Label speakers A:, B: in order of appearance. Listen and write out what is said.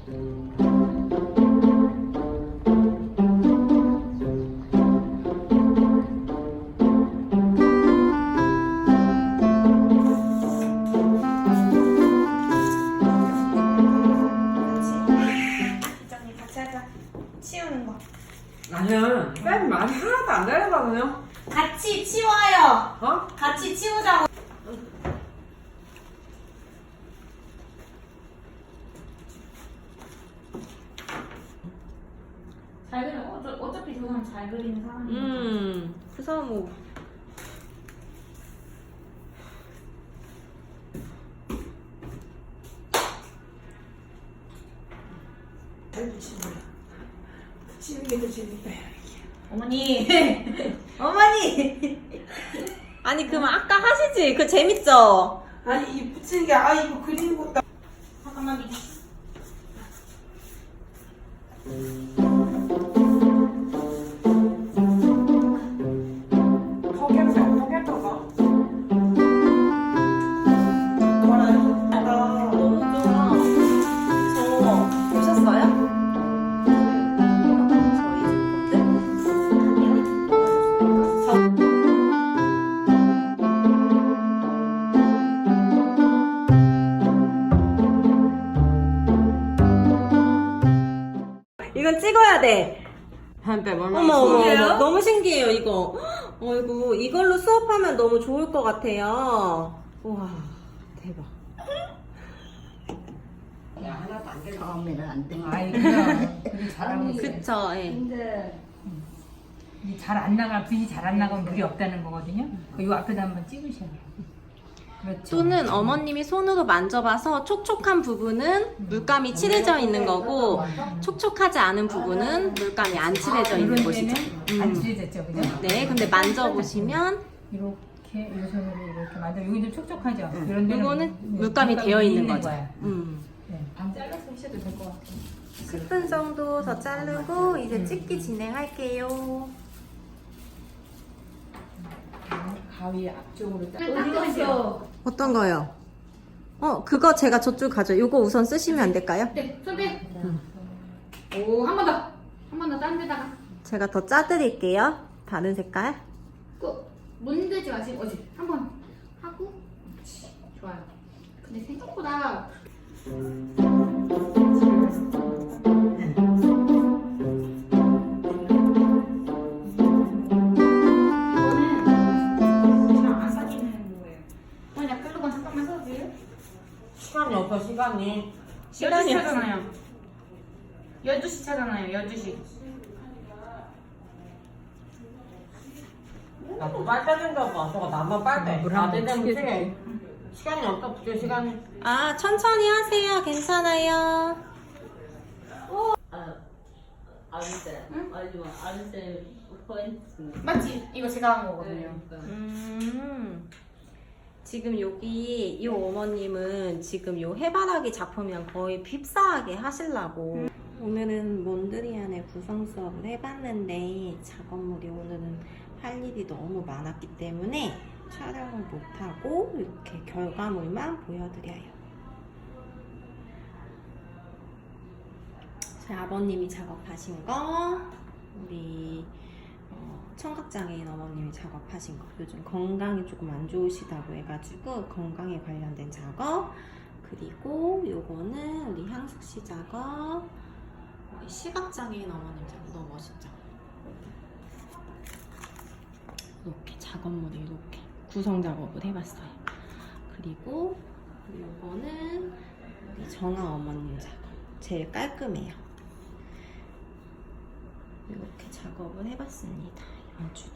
A: 치우는 거.
B: 아니야, 쌤 많이 하나도 안 내려가네요.
A: 같이 치워요.
B: 어?
A: 같이 치우자고. 잘 그려. 어차피 저 사람 잘 그리는 사람이니까.
C: 그 사람 뭐.
B: 잘 붙이는 거야. 붙이는 게 더 재밌다.
A: 어머니. 어머니.
C: 아니, 그럼 아까 하시지? 그 재밌죠?
B: 아니 이 붙이는 게 이거 그리는 것도.
A: 잠깐만 미지.
B: 포개터가.
C: 너무 좋아. 저 보셨어요? 이건 찍어야 돼.
B: 한때 얼마나
C: 어머, 어머,
B: 신기해요?
C: 어머. 너무 신기해요, 이거. 어이구, 이걸로 수업하면 너무 좋을 것 같아요. 우와, 대박.
B: 야, 하나도 안 되는
D: 처음에는 안 돼.
E: 아이 그냥 잘하고 있어.
C: 그쵸, 예.
D: 근데
E: 잘 안 나가 불이 잘 안 나가면 물이 없다는 거거든요. 요 앞에다 한번 찍으셔야 돼요. 그렇죠.
C: 또는 어머님이 손으로 만져봐서 촉촉한 부분은 물감이 칠해져 있는 거고, 촉촉하지 않은 부분은 물감이 안 칠해져 있는
E: 이런
C: 곳이죠.
E: 데는 안 칠해졌죠, 그죠?
C: 네, 근데 만져보시면
E: 이렇게 이 손으로 이렇게 만져. 여기 좀 촉촉하죠. 이런 데는
C: 이거는 물감이 되어 있는 거죠.
E: 거야. 네.
A: 반 잘라서 하셔도 될 것 같아요.
C: 10분 정도 더 자르고 이제 찍기 진행할게요.
B: 가위 앞쪽으로 딱.
A: 어디 갔어?
C: 어떤 거요? 그거 제가 저쪽 가져. 이거 우선 쓰시면 안 될까요?
A: 네, 손 빼. 오, 한 번 더. 한 번 더 딴 데다가.
C: 제가 더 짜드릴게요. 다른 색깔.
A: 문대지 마시고 어지 한 번 하고. 좋아요. 근데 생각보다 이거는 잘 안 사귀는 거예요. 어머니 나 끌고 잠깐만 서주세요.
B: 시간이 없어, 시간이.
A: 12시 차잖아요. 12시 차잖아요. 12시.
B: 나도 빨대 생겨봐. 저거 나만 빨대. 나 되면 튀게. 시간이 없어, 붙일 시간이.
C: 아, 천천히 하세요. 괜찮아요.
D: 아는데 알지만 아는데 포인트.
A: 맞지? 이거 제가 한 거거든요.
C: 지금 여기 이 어머님은 지금 요 해바라기 작품이랑 거의 휩싸하게 하시려고 오늘은 몬드리안의 구성 수업을 해봤는데 작업물이 오늘은 할 일이 너무 많았기 때문에 촬영을 못하고 이렇게 결과물만 보여드려요. 저희 아버님이 작업하신 거, 우리 청각장애인 어머님이 작업하신 거. 요즘 건강이 조금 안 좋으시다고 해가지고 건강에 관련된 작업. 그리고 요거는 우리 향숙씨 작업. 우리 시각장애인 어머님 작업. 너무 멋있죠? 이렇게 작업물을 이렇게 구성 작업을 해봤어요. 그리고 요거는 우리 정아 어머님 작업. 제일 깔끔해요. 이렇게 작업을 해봤습니다. 이번 주도.